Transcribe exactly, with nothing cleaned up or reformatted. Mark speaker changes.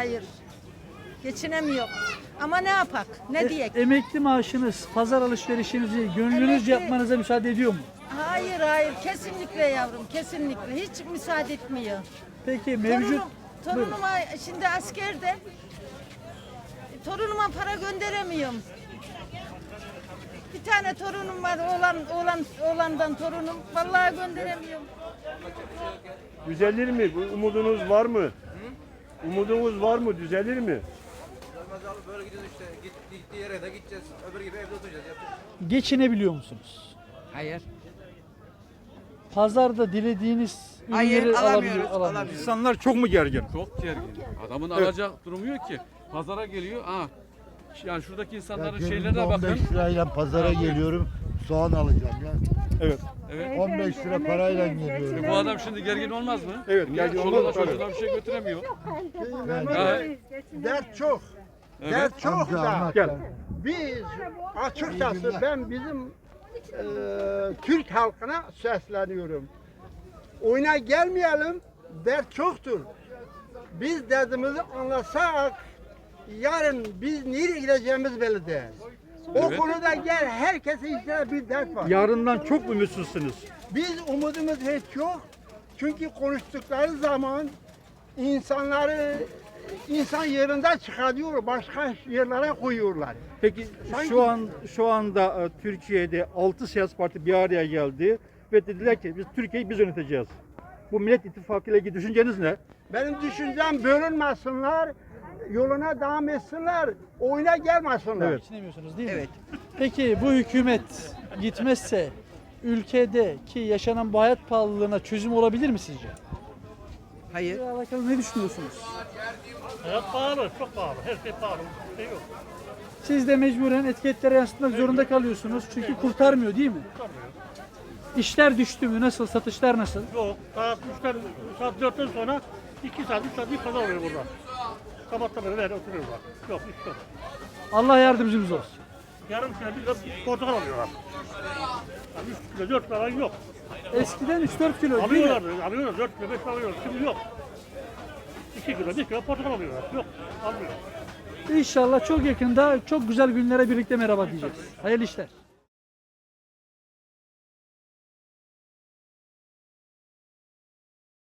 Speaker 1: Hayır. Geçinemiyor. Ama ne yapak? Ne
Speaker 2: E-
Speaker 1: diyek?
Speaker 2: emekli maaşınız, pazar alışverişinizi gönlünüzce
Speaker 1: Emekli-
Speaker 2: yapmanıza müsaade ediyor mu?
Speaker 1: Hayır hayır kesinlikle yavrum kesinlikle hiç müsaade etmiyor.
Speaker 2: Peki mevcut...
Speaker 1: Torunum,
Speaker 2: Buyurun.
Speaker 1: torunuma şimdi askerde torunuma para gönderemiyorum. Bir tane torunum var oğlan oğlan oğlandan torunum vallahi gönderemiyorum.
Speaker 3: Düzelir mi? Bu umudunuz var mı? Umudunuz var mı? Düzelir mi?
Speaker 4: Olmaz abi böyle gidiyoruz işte. Git, gittiği yere de gideceğiz. Öbür gibi evde oturacağız. Yapacak.
Speaker 2: Geçinebiliyor musunuz?
Speaker 5: Hayır.
Speaker 2: Pazarda dilediğiniz
Speaker 5: Hayır,
Speaker 2: ürünleri
Speaker 5: alamıyoruz,
Speaker 2: alabiliyor, alamıyorsunuz.
Speaker 5: alamıyoruz.
Speaker 6: İnsanlar çok mu gergin?
Speaker 7: Çok gergin. Adamın alacak durumu yok ki. Pazara geliyor. Aa, yani şuradaki insanların
Speaker 8: Ya
Speaker 7: şeylerine
Speaker 8: cebimde
Speaker 7: bakın.
Speaker 8: on beş lirayla pazara geliyorum. Soğan alacağım ya.
Speaker 6: Evet.
Speaker 7: Evet.
Speaker 8: on beş lira parayla geliyorum.
Speaker 7: E bu adam şimdi gergin olmaz mı?
Speaker 6: Evet,
Speaker 7: Niye?
Speaker 6: gergin
Speaker 7: Çoluğuna
Speaker 6: olmaz, tabii.
Speaker 7: çocuğuna bir şey götüremiyor. Ha,
Speaker 9: Dert çok.
Speaker 7: evet.
Speaker 9: Dert çok
Speaker 8: Amca
Speaker 9: da.
Speaker 8: anlat
Speaker 6: Gel.
Speaker 8: ya.
Speaker 9: Biz açıkçası ben bizim e, Türk halkına sesleniyorum. Oyuna gelmeyelim. Dert çoktur. Biz derdimizi anlasak yarın biz nereye gideceğimiz belli değil. O
Speaker 7: Evet.
Speaker 9: konuda gel herkesin içinde bir dert var.
Speaker 6: Yarından çok umutsuzsunuz.
Speaker 9: Biz umudumuz hiç yok. Çünkü konuştukları zaman insanları insan yerinden çıkarıyor, başka yerlere koyuyorlar.
Speaker 6: Peki
Speaker 9: Sanki-
Speaker 6: şu an şu anda e, Türkiye'de altı siyasi parti bir araya geldi ve dediler ki biz Türkiye'yi biz yöneteceğiz. Bu Millet İttifakı ile ilgili düşünceniz ne?
Speaker 9: Benim düşüncem bölünmesinler, yoluna devam etsinler, oyuna gelmesinler.
Speaker 6: Evet.
Speaker 2: Geçinemiyorsunuz değil mi?
Speaker 5: Evet.
Speaker 2: Peki bu hükümet gitmezse ülkedeki yaşanan bu hayat pahalılığına çözüm olabilir mi sizce?
Speaker 5: Hayır.
Speaker 2: Bununla alakalı ne düşünüyorsunuz?
Speaker 10: Hayat pahalı, çok pahalı. Her şey pahalı. Şey yok.
Speaker 2: Siz de mecburen etiketlere yansıtmak zorunda kalıyorsunuz çünkü kurtarmıyor değil mi? İşler düştü mü? Nasıl? Satışlar nasıl?
Speaker 10: Yok. Saat üçten, saat dörtten sonra iki saat, üç saat bir pazar oluyor burada. Sabahtan beri böyle oturuyorlar. Yok, iş yok.
Speaker 2: Allah yardımcımız olsun.
Speaker 10: Yarım kilo, bir kilo portakal alıyorlar. Yani üç kilo, dört kilo falan yok.
Speaker 2: Eskiden üç dört kilo değil mi?
Speaker 10: Alıyorlar, alıyorlar. Dört kilo, beş kilo alıyorlar. Şimdi yok. İki kilo, bir kilo portakal alıyorlar. Yok, almıyor.
Speaker 2: İnşallah çok yakında çok güzel günlere birlikte merhaba diyeceğiz. Hayırlı işler.